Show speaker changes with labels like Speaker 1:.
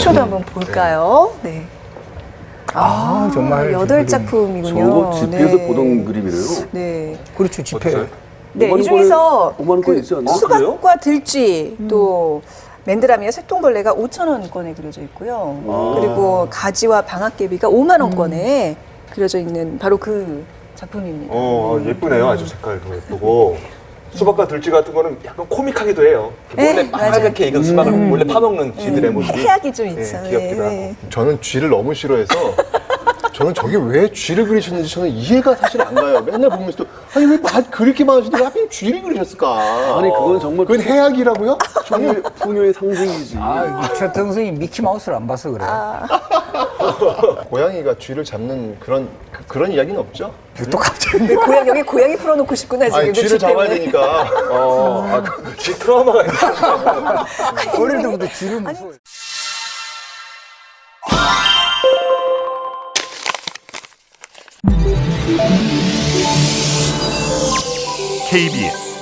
Speaker 1: 속초도 한번 볼까요? 네.
Speaker 2: 정말
Speaker 1: 8작품이군요.
Speaker 3: 저거 집에서
Speaker 1: 네.
Speaker 3: 보던 그림이래요.
Speaker 1: 네.
Speaker 2: 그렇죠. 집회.
Speaker 1: 네,
Speaker 3: 5만
Speaker 1: 이 중에서
Speaker 3: 5만 원권 있지 않나?
Speaker 1: 수박과 들쥐 또 맨드라미와 색동벌레가 5,000원권에 그려져 있고요. 그리고 가지와 방앗개비가 5만 원권에 그려져 있는 바로 그 작품입니다.
Speaker 4: 예쁘네요. 아주 색깔도 예쁘고. 수박과 들쥐 같은 거는 약간 코믹하기도 해요.
Speaker 1: 네,
Speaker 4: 몰래
Speaker 1: 맞아요.
Speaker 4: 빨갛게 익은 수박을 몰래 파먹는 쥐들의 모습이.
Speaker 1: 해악이 좀 있어요.
Speaker 4: 귀엽기도
Speaker 1: 네.
Speaker 4: 하고.
Speaker 5: 저는 쥐를 너무 싫어해서 저는 저게 왜 쥐를 그리셨는지 저는 이해가 사실 안 가요. 맨날 보면서도 아니 왜 그렇게 많으시더니 하필 쥐를 그리셨을까?
Speaker 3: 아니 그건 정말
Speaker 5: 그건 해악이라고요?
Speaker 3: 풍요의 상징이지.
Speaker 2: 최동성이 미키마우스를 안 봐서 그래.
Speaker 5: 고양이가 쥐를 잡는 그런 이야기는 없죠?
Speaker 2: 또 갑자기.
Speaker 1: 근데 여기 고양이 풀어놓고 싶구나 지금.
Speaker 5: 아니 쥐를
Speaker 1: 쥐
Speaker 5: 잡아야
Speaker 1: 때문에.
Speaker 5: 되니까.
Speaker 4: 쥐 트라우마가 있는
Speaker 2: 어릴 때부터 쥐를 무서워.
Speaker 6: KBS